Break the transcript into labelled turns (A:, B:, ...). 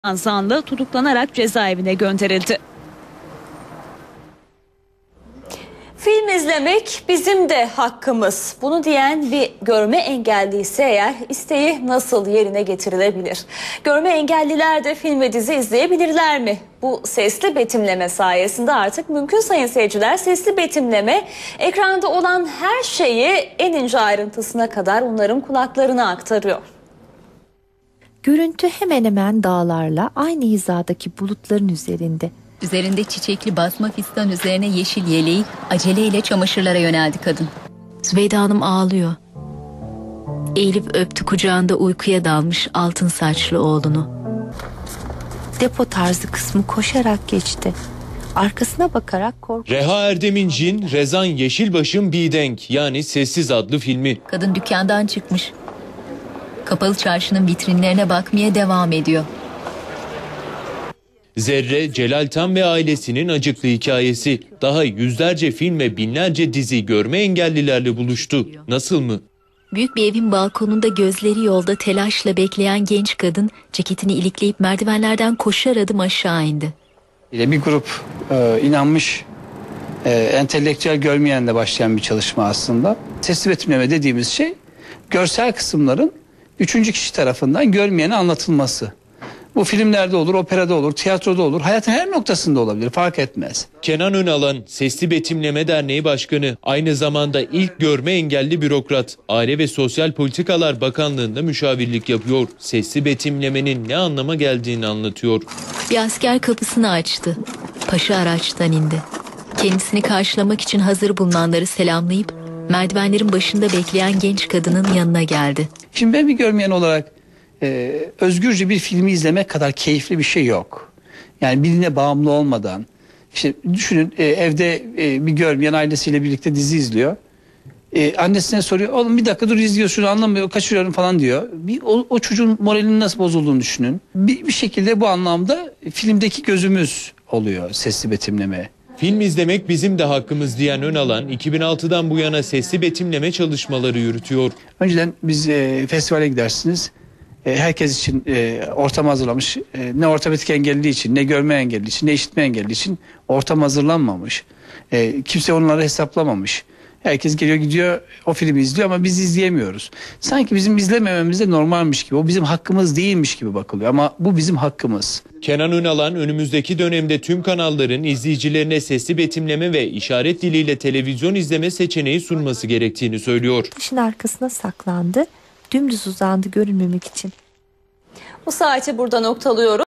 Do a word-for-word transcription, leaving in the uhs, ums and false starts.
A: zanlı tutuklanarak cezaevine gönderildi.
B: Film izlemek bizim de hakkımız. Bunu diyen bir görme engelliyse eğer isteği nasıl yerine getirilebilir? Görme engelliler de film ve dizi izleyebilirler mi? Bu sesli betimleme sayesinde artık mümkün sayın seyirciler. Sesli betimleme ekranda olan her şeyi en ince ayrıntısına kadar onların kulaklarına aktarıyor.
C: Görüntü hemen hemen dağlarla aynı hizadaki bulutların üzerinde.
D: Üzerinde çiçekli basma fistan üzerine yeşil yeleği aceleyle çamaşırlara yöneldi kadın.
C: Zübeyde Hanım ağlıyor. Eğilip öptü kucağında uykuya dalmış altın saçlı oğlunu. Depo tarzı kısmı koşarak geçti. Arkasına bakarak korktu.
E: Reha Erdem'in Rezan Yeşilbaş'ın Bidenk yani Sessiz adlı filmi.
D: Kadın dükkandan çıkmış. Kapalı çarşının vitrinlerine bakmaya devam ediyor.
E: Zerre, Celal Tan ve ailesinin acıklı hikayesi. Daha yüzlerce film ve binlerce dizi görme engellilerle buluştu. Nasıl mı?
C: Büyük bir evin balkonunda gözleri yolda telaşla bekleyen genç kadın ceketini ilikleyip merdivenlerden koşar adım aşağı indi.
F: Bir grup e, inanmış e, entelektüel görmeyenle başlayan bir çalışma aslında. Sesli betimleme dediğimiz şey görsel kısımların üçüncü kişi tarafından görmeyene anlatılması. Bu filmlerde olur, operada olur, tiyatroda olur, hayatın her noktasında olabilir, fark etmez.
E: Kenan Önalan, Sesli Betimleme Derneği Başkanı, aynı zamanda ilk görme engelli bürokrat, Aile ve Sosyal Politikalar Bakanlığı'nda müşavirlik yapıyor. Sesli betimlemenin ne anlama geldiğini anlatıyor.
C: Bir asker kapısını açtı. Paşa araçtan indi. Kendisini karşılamak için hazır bulunanları selamlayıp merdivenlerin başında bekleyen genç kadının yanına geldi.
F: Şimdi ben bir görmeyen olarak e, özgürce bir filmi izlemek kadar keyifli bir şey yok. Yani birine bağımlı olmadan. İşte düşünün e, evde e, bir görmeyen ailesiyle birlikte dizi izliyor. E, annesine soruyor, oğlum bir dakika dur izliyor şunu anlamıyor, kaçırıyorum falan diyor. Bir, o, o çocuğun moralinin nasıl bozulduğunu düşünün. Bir, bir şekilde bu anlamda filmdeki gözümüz oluyor sesli betimleme.
E: Film izlemek bizim de hakkımız diyen Önalan, iki bin altıdan bu yana sesli betimleme çalışmaları yürütüyor.
F: Önceden biz e, festivale gidersiniz. E, herkes için e, ortam hazırlamış. E, ne ortopedik engelli için, ne görme engelli için, ne işitme engelli için ortam hazırlanmamış. E, kimse onları hesaplamamış. Herkes geliyor gidiyor o filmi izliyor ama biz izleyemiyoruz. Sanki bizim izlemememiz de normalmiş gibi, o bizim hakkımız değilmiş gibi bakılıyor ama bu bizim hakkımız.
E: Kenan Önalan önümüzdeki dönemde tüm kanalların izleyicilerine sesli betimleme ve işaret diliyle televizyon izleme seçeneği sunması gerektiğini söylüyor.
C: Taşın arkasına saklandı, dümdüz uzandı görünmemek için.
B: Bu saati burada noktalıyoruz.